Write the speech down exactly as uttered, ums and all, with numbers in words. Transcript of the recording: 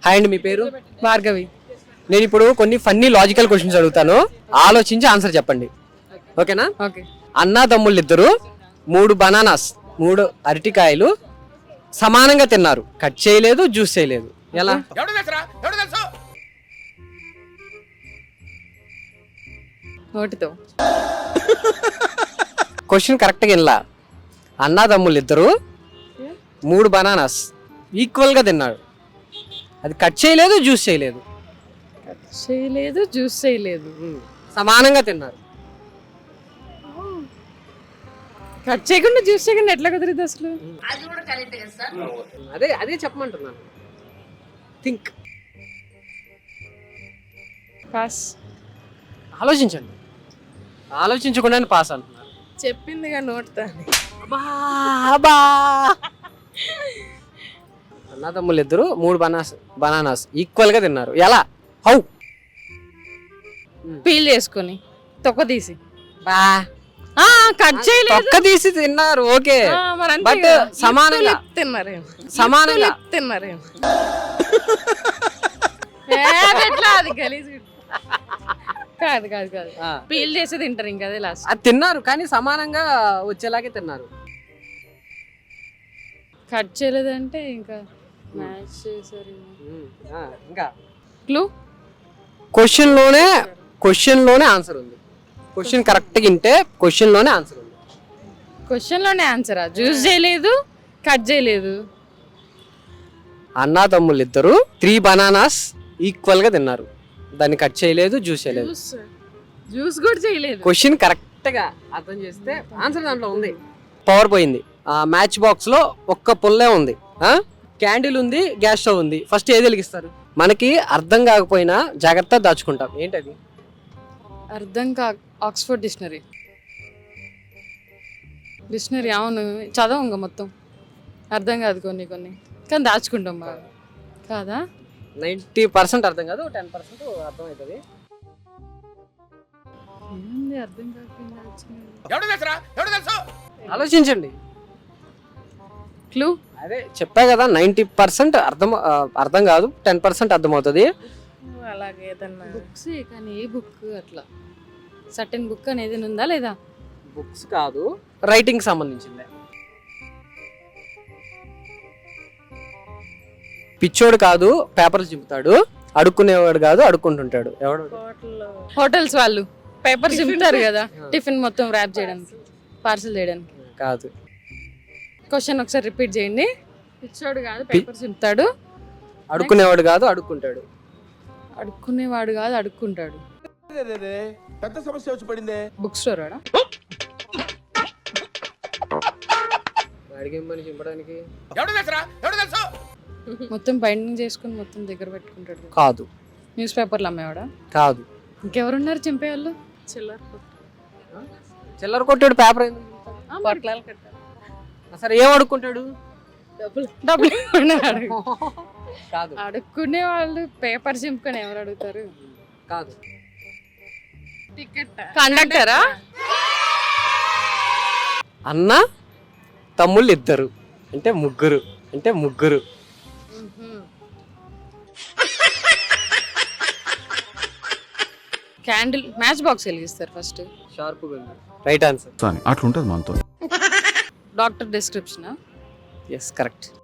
Hi అండి, మీ పేరు? భార్గవి. నేను ఇప్పుడు కొన్ని ఫన్నీ లాజికల్ క్వశ్చన్స్ అడుగుతాను, ఆలోచించి ఆన్సర్ చెప్పండి, ఓకేనా? ఓకే. అన్నాదమ్ముళ్ళు ఇద్దరు మూడు బనానాస్ మూడు అరటికాయలు సమానంగా తిన్నారు, కట్ చేయలేదు, జ్యూస్ చేయలేదు, ఎలా? నోటితో. క్వశ్చన్ కరెక్ట్గా వినలా. అన్నాదమ్ముళ్ళు ఇద్దరు మూడు బనానాస్ ఈక్వల్ గా తిన్నారు, అది కట్ చేయలేదు, జ్యూస్ చేయలేదు. చేయలేదు, జ్యూస్ చేయలేదు, సమానంగా తిన్నారు. కట్ చేయకుండా జ్యూస్ చేయకుండా ఎట్లా కుదిరిద్ది అసలు? అదే అదే చెప్పమంటున్నాను. Think, pass. ఆలోచించండి, ఆలోచించకుండానే పాస్ అంటున్నారు. చెప్పిందిగా నోటితో. అన్నదమ్ములు ఇద్దరు మూడు బనాస్ బనానాస్ ఈక్వల్ గా తిన్నారు, ఎలా? హౌ? పీల్ చేసుకొని తొక్క తీసి. బా కట్ చేయలేదు, తొక్క తీసి తిన్నారు, ఓకే, బట్ సమానంగా తిన్నారు. సమానంగా తిన్నారు. ఎట్లా అది గలీజ్? కాదు కాదు కాదు పీల్ చేసి తింటారు, ఇంకా అదే లాస్ట్. అది తిన్నారు కానీ సమానంగా వచ్చేలాగే తిన్నారు. కట్ చేయలేదంటే ఇంకా మ్యాచ్ చేశారు. ఇంకా క్లూ క్వశ్చన్ లోనే క్వశ్చన్ లోనే ఆన్సర్ ఉంది. క్వశ్చన్ కరెక్ట్ గా వింటే క్వశ్చన్ లోనే ఆన్సర్ ఉంది. క్వశ్చన్ లోనే ఆన్సరా? జ్యూస్ చేయలేదు, కట్ చేయలేదు. అన్నాదమ్ములు ఇద్దరు త్రీ బనానాస్ ఈక్వల్ గా తిన్నారు, దాన్ని కట్ చేయలేదు, జ్యూస్ చేయలేదు. జ్యూస్ కూడా చేయలేదు. క్వశ్చన్ కరెక్ట్ గా అర్థం చేస్తే ఆన్సర్ దాంట్లో ఉంది. పవర్ పోయింది. ఆ మ్యాచ్ బాక్స్ లో ఒక్క పుల్లే ఉంది, క్యాండిల్ ఉంది, గ్యాస్ స్టవ్ ఉంది. ఫస్ట్ ఏది వెలిగిస్తారు? మనకి అర్థం కాకపోయినా జాగ్రత్త దాచుకుంటాం, ఏంటది? అర్థం కా ఆక్స్ఫర్డ్ డిక్షనరీ. డిక్షనరీ అవును, చదవంగా మొత్తం. అర్థం కాదు కొన్ని కొన్ని, కానీ దాచుకుంటాం బాగా. కాదా? నైంటీ పర్సెంట్ అర్థం కాదు, టెన్ పర్సెంట్ అర్థం అవుతుంది. ఏంది అర్థం కాకపోయినా? ఆలోచించండి. క్లూ అదే చెప్పా కదా, నైంటీ పర్సెంట్ అర్థం అర్థం కాదు, టెన్ పర్సెంట్ అర్థం అవుతుంది. అలాగే బుక్స్, కానీ ఏ బుక్? అట్లా సర్టెన్ బుక్ అనేది ఉందా లేదా? బుక్స్ కాదు, రైటింగ్ సంబంధించిందే. పిచ్చోడు కాదు, పేపర్లు చింపుతాడు, అడుక్కునేవాడు కాదు, అడుక్కుంటుంటాడు. ఎవడు? హోటల్స్ వాళ్ళు పేపర్ చింపుతారు కదా, టిఫిన్ మొత్తం ర్యాప్ చేయడానికి, పార్సల్ చేయడానికి. కాదు. క్వశ్చన్ ఒకసారి రిపీట్ చేయండి. పిచ్చోడు కాదు, పేపర్ చింపుతాడు, అడుక్కునేవాడు కాదు, అడుక్కుంటాడు. అడుక్కునేవాడు కాదు, అడుక్కుంటాడు. పెద్ద సమస్య వచ్చి పడిందే. బుక్ స్టోర్ వాడా? అడిగేమని చింపడానికి మొత్తం బైండింగ్ చేసుకుని మొత్తం దగ్గర పెట్టుకుంటాడు. కాదు. న్యూస్ పేపర్లు అమ్మేవాడా? కాదు. ఇంకెవరున్నారు చింపేవాళ్ళు? చిల్లర చిల్లర కొట్టాడు పేపర్. సరే, ఏం అడుక్కుంటాడు? డబ్బులు కాదు. అడుక్కునే వాళ్ళు పేపర్ చింపుకొని ఎవరు అడుగుతారు? కాదు. కండక్టరా? అన్న తమ్ముళ్ళు ఇద్దరు అంటే ముగ్గురు అంటే ముగ్గురు క్యాండిల్ మ్యాచ్ బాక్స్ వెలిగిస్తారు ఫస్ట్. Sharp right answer. అట్లుంటది మనతో. Doctor description. Yes, correct.